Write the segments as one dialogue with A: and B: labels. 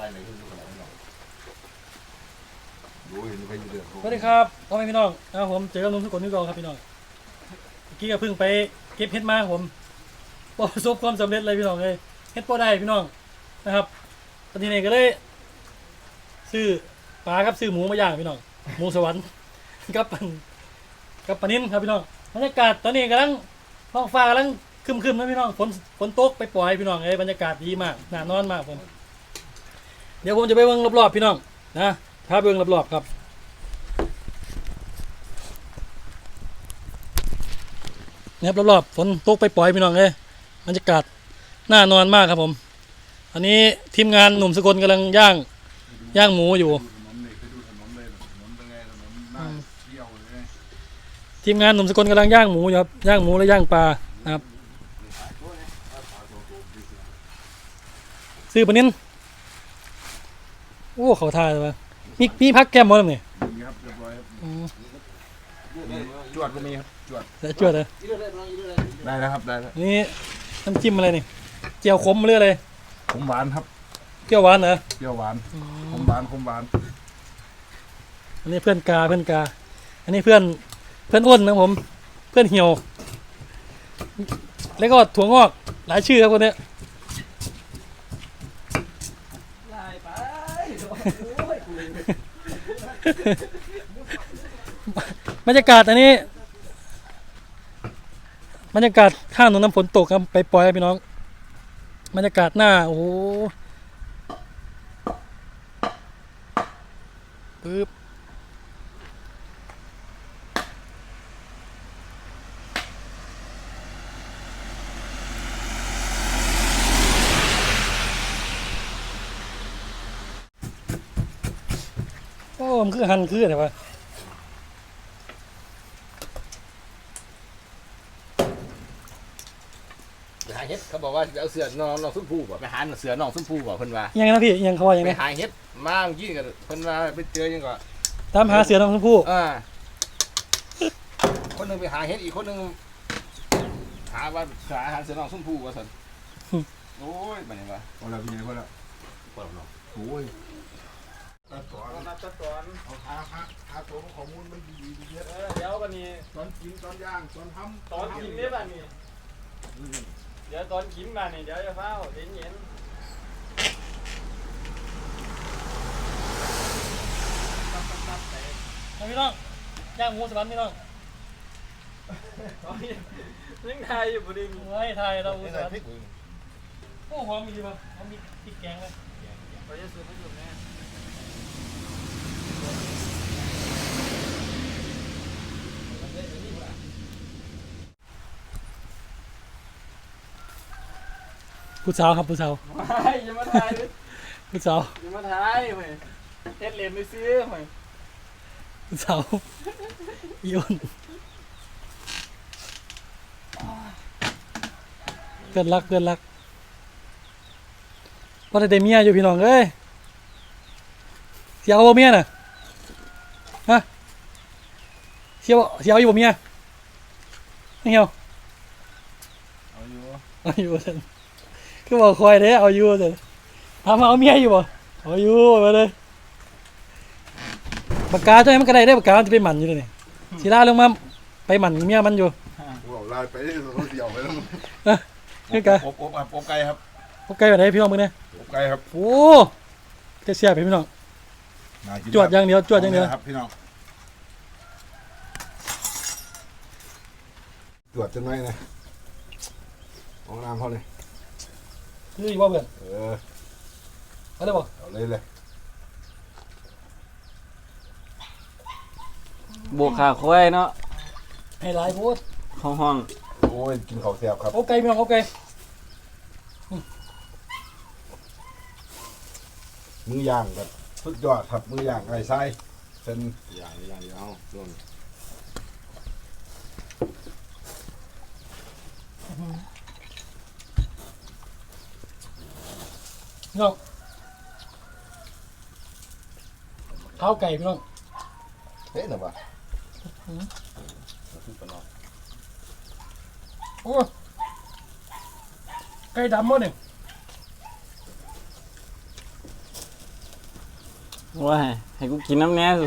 A: ไหนขึ้นขนาดนี้ดูเห็นไปอยู่เดือด
B: สวัสดีครับพ่อแม่พี่น้องนะครับผมเจอกับนุ่มทุกคนที่กองครับพี่น้องเมื่อกี้ก็เพิ่งไปเก็บเห็ดมาครับผมประสบความสำเร็จเลยพี่น้องเลยเห็ดพอได้พี่น้องนะครับตอนนี้ก็เลยซื้อปลาครับซื้อหมูมาย่างพี่น้องหมูสวรรค์กับปลานิ่มครับพี่น้องบรรยากาศตอนนี้กำลังท้องฟ้ากำลังครึมๆนะพี่น้องฝนตกไปปล่อยพี่น้องบรรยากาศดีมากน่านอนมากผมเดี๋ยวผมจะไปเบิ่งรอบๆพี่น้องนะถ้าเบิ่งรอบๆครับเนี่ยรอบๆฝนตกไปปล่อยพี่น้องบรรยากาศน่านอนมากครับผมอันนี้ทีมงานหนุ่มสกลกำลังย่างหมูอยู่ทีมงานหนุ่มสกลกำลังย่างหมูอยู่ครับย่างหมูและย่างปลานะครับซื้อปลานิ่นโอ้เขาท่าเลยวะมีพักแก้มหมดเลยนี่ครับเรียบร้อยครับจวดก็มีครับจวดเลยได้แล้วครับได้แล้วนี่น้ำจิ้มอะไรนี่เจียวขมหรืออะไร
A: ขมหวานครับ
B: เปรี้ยวหวานเหรอ
A: เปรี้ยวหวานขมหวาน
B: อันนี้เพื่อนกาอันนี้เพื่อนอ้นนะผมเพื่อนเหี่ยวแล้วก็ถั่วงอกหลายชื่อครับคนนี้บรรยากาศอันนี้บรรยากาศข้างถนนน้ำฝนตกครับไปปล่อยพี่น้องบรรยากาศหน้าโอ้โหปึ๊บโอ้มันคือหันคืออะไรวะ
A: หาเห็ดเขาบอกว่าจะเอาเสือน้องซุ้มผู้บ่ไปหาเสือน้องซุ้มผู้บ่เพิ่นว่า
B: ยังไงนะพี่ยังคอยังไง
A: ไปหาเห็ดมายิ่งกันเพิ่นว่าไปเจอยังก็
B: ตามหาเสือน้องซุ้มผู้
A: คนนึงไปหาเห็ดอีกคนนึงหาว่าหาเสือน้องซุ้มผู้ว่าซั่นโอ้ยบัดนี้ว่าพอแล้วพี่ใหญ่พอแล้วเนาะโอ้ยตัดตอนเอาหาตัวข้อมูลมันดีเยอะ
C: เดี๋ยววันนี้
A: ตอนกินตอนย่างตอนทำ
C: ตอนกินเนี่ยบ้านนี้เดี๋ยวตอนกินบ้านนี้เดี๋ยวจะเฝ้าเย็น
B: พี่น้องย่างหมูสวรรค์พี่น้อง
C: นึกไทยอยู่บุรี
B: ไว้ไทยเราหมูสวรรค์โอ้หอมมีดีป่ะหอมมีพริกแกงเลย
C: เราจะซื้อไม่หยุดแน่
B: ผู้สาวครับผู้สาว
C: ไม่อย่ามาถ่าย
B: ผู้สาว
C: อย่ามาถ่ายเฮ้ยเฮ็ดเหรียญไปซื้อเฮ้ย
B: ผู้สาวยุ่นเกินรักพอได้เมียอยู่พี่น้องเอ้ยเสียเอาเมียน่ะฮะเสียเอาอยู่บ่เมียไม่เหี่ยวเอาอยู่ท่านคือบอกคอยเด้เอาอยู่ท่านถามเอาเมียอยู่บ่เอาอยู่มาเลยปากกาใช่ไหมมันกระไดได้ปากกาจะไปหมันอยู่เลยนี่ศิลาลงมาไปหมันเมียมันอยู่
A: ลายไปเขาเดี่ยวไปแล้ว
B: นี่กะ
A: อบไก่ครับ
B: อบไก่แบบไหนพี่น้องมึงเนี่ย
A: อบไก่ครับ
B: โอ้จะเสียไปพี่น้องจวดอย่างเดียว
A: ครับพี่น้องจวดจังไหมนะห้องน้ำเขาเลย
B: นี่ว่าเพื่อนเอาเลยบ่
A: เอาเลย
C: บวกขาควายเนาะ
B: ให้หลายพูด
C: ห้อง
A: โอ้ยกินข้าวแซ่บครับ
B: โอเคพี่น้องโอเค
A: มือย่างแบบสุดยอดครับมือย่างไก่ไส้เป็นอย่างเอาส่วน
B: พี่น้องข้าวไก่พี่น้อง
A: เฮ้ยหน่ะบ่
B: โอ้ไก่ดำมั้งเนี่ย
C: ว้ายให้กูกินน้ำแน่สู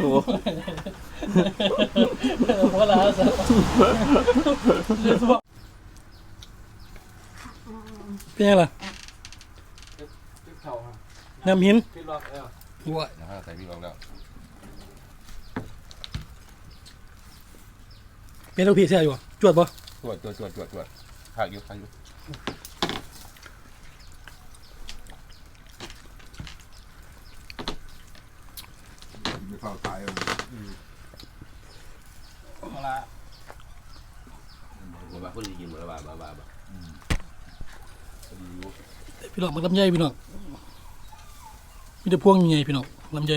B: หัวลาซะเป็นไงล่ะ
C: ติ๊กเข่าฮะ
B: น้ำหิน
C: ติ๊กล็อก
B: ว้า
A: นะครับใส่พี่ลองแล้ว
B: เป็นลูกพี่แซ่อยู่จวดปะ
A: ตรวจผักอยู่ไม่เข้าตายเลย
C: มาละ
A: บ้าคนที่กินหมดแล้วบ้าดีอยู่
B: พี่น้องมันลำไยพี่น้องมีแต่พวงใหญ่พี่น้องลำไย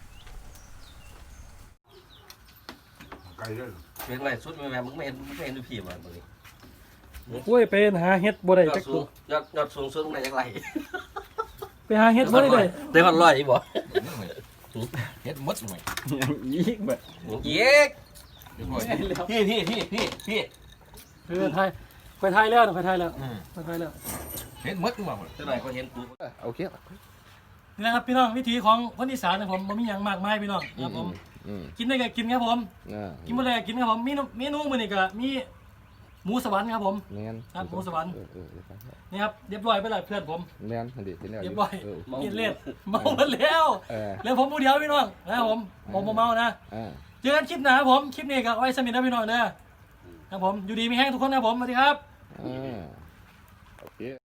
A: ไก่เลย
D: เป็นไรสุดแม่มึงไม่เห็นดูผีมาตรงนี้
B: โอ้ยไปหาเฮ็ดบ่ได้
D: ยอ
B: จั
D: ด
B: ก
D: สู
B: ตัว
D: งยอดสูงสุดตรงไหนจักไร
B: ไปหาเฮ็ดบ่ได้เลย
D: ได้พันร้อยอีกบ่
A: เฮ็ดมดหน่อย
C: ยิกแบบ
D: เย้ก
A: เดี๋ยวก่อน
D: พี่
B: ไทยไปไทยแล้วไปไทยแล้วไปไทยแล้ว
A: เฮ็ดมดมาหมด
D: เท่าไหร่ก็เห็นกู
A: โอเค
B: นี่นะครับพี่น้องวิถีของคนอีสานนะผมบ่มีหยังมากมายพี่น้องครับผมกินได้ก็กินครับผมกินบ่ได้ก็กินครับผมมีเมนูมื้อนี้ก็มีหมูสวรรค์ครับผม
A: แม่น
B: ครับหมูสวรรค์นี่ครับเรียบร้อยไปแล้วเพื่อนผม
A: แม่นอันนี้เป็นแล้ว
B: เรียบร้อยกินเล่นเมาหมดแล้วแล้วผมผู้เดียวพี่น้องนะครับผมบ่เมานะเจอกันคลิปหน้าครับผมคลิปนี้ก็ไว้สมิธนะพี่น้องเด้อครับผมอยู่ดีมีแห้งทุกคนนะครับผมสวัสดีครับ
A: โอเค